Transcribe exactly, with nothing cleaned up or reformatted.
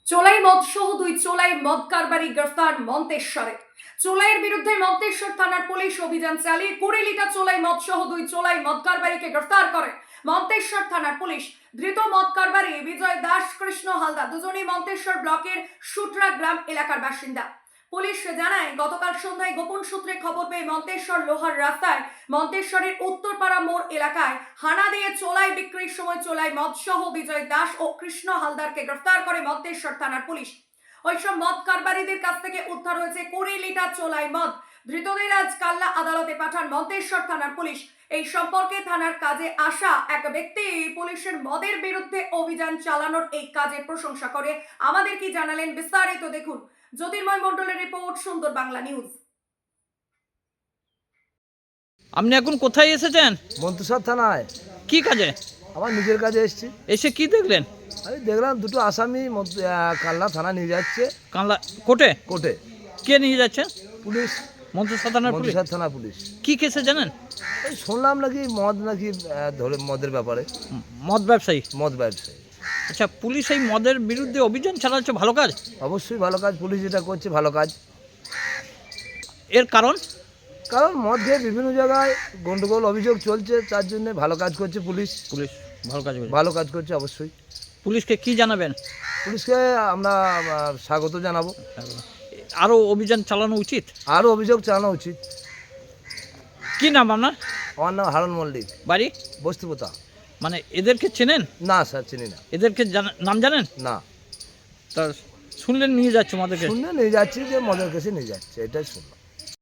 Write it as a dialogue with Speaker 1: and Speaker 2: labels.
Speaker 1: চোলাই মদ সহ দুই চোলাই মদ কারবারি গ্রেফতার মন্তেশ্বরে। চোলাইয়ের বিরুদ্ধে মন্তেশ্বর থানার পুলিশ অভিযান চালিয়ে কুড়ি লিটার চোলাই মদ সহ দুই চোলাই মদ কারবারিকে গ্রেফতার করে মন্তেশ্বর থানার পুলিশ। ধৃত মদ কারবারি বিজয় দাস, কৃষ্ণ হালদার দুজনেই মন্তেশ্বর ব্লকের সুটরা গ্রাম এলাকার বাসিন্দা। পুলিশ জানায়, গতকাল সন্ধ্যায় গোপন সূত্রে খবর পেয়ে মন্তেশ্বর লোহার রাস্তায় মন্তেশ্বরের উত্তরপাড়া মোড় এলাকায় হানা দিয়ে চোলাই বিক্রির সময় চোলাই মদ সহ বিজয় দাস ও কৃষ্ণ হালদারকে গ্রেফতার করে মন্তেশ্বর থানার পুলিশ। ওইসব মদ কারবারিদের কাছ থেকে উদ্ধার হয়েছে কুড়ি লিটার চোলাই মদ। ধৃতদের আজ কাল্লা আদালতে পাঠান মন্তেশ্বর থানার পুলিশ। এই সম্পর্কে থানার কাজে আসা এক ব্যক্তি পুলিশের মদের বিরুদ্ধে অভিযান চালানোর এই কাজের প্রশংসা করে আমাদের কি জানালেন, বিস্তারিত দেখুন জ্যোতির্ময় মণ্ডলের রিপোর্ট, সুন্দর বাংলা নিউজ।
Speaker 2: আপনি এখন কোথায় এসেছেন?
Speaker 3: মন্তেশ্বর থানায়।
Speaker 2: কি কাজে?
Speaker 3: আমার নিজের কাজে এসেছি।
Speaker 2: এসে কি দেখলেন?
Speaker 3: আমি দেখলাম দুটো আসামি মধ্য- আহ, কাল্লা থানা নিয়ে যাচ্ছে
Speaker 2: কানলা কোর্টে?
Speaker 3: কোর্টে।
Speaker 2: কে নিয়ে যাচ্ছে?
Speaker 3: পুলিশ,
Speaker 2: মন্তেশ্বর থানার পুলিশ।
Speaker 3: মন্তেশ্বর থানা পুলিশ।
Speaker 2: কি কেসে জানেন?
Speaker 3: এই শুনলাম নাকি মদ নাকি আহ, ধরে মদের ব্যাপারে,
Speaker 2: ম- মদ ব্যবসায়ী।
Speaker 3: মদ ব্যবসায়ী।
Speaker 2: আচ্ছা, পুলিশ এই মদের বিরুদ্ধে অভিযান চালাচ্ছে, ভালো কাজ।
Speaker 3: অবশ্যই ভালো কাজ, পুলিশ যেটা করছে ভালো কাজ।
Speaker 2: এর কারণ?
Speaker 3: কারণ মদ খেয়ে বিভিন্ন জায়গায় গন্ডগোল অভিযোগ চলছে, তার জন্য ভালো কাজ করছে পুলিশ।
Speaker 2: পুলিশ ভালো কাজ করছে।
Speaker 3: ভালো কাজ করছে অবশ্যই।
Speaker 2: পুলিশকে কি জানাবেন?
Speaker 3: পুলিশকে আমরা আহ, স্বাগত জানাবো।
Speaker 2: আরও অভিযান চালানো উচিত।
Speaker 3: আরও অভিযোগ চালানো উচিত।
Speaker 2: কি নাম আপনার?
Speaker 3: আমার নাম হারুন মল্লিক,
Speaker 2: বাড়ি?
Speaker 3: বস্তিপোতা।
Speaker 2: মানে এদেরকে চেনেন?
Speaker 3: না স্যার, চিনি না।
Speaker 2: এদেরকে জানা- নাম জানেন?
Speaker 3: না,
Speaker 2: তা শুনলেন নিয়ে যাচ্ছে মদেরকে?
Speaker 3: শুনে নিয়ে যাচ্ছি যে মদের কাছে নিয়ে যাচ্ছে, এটাই শুনলাম।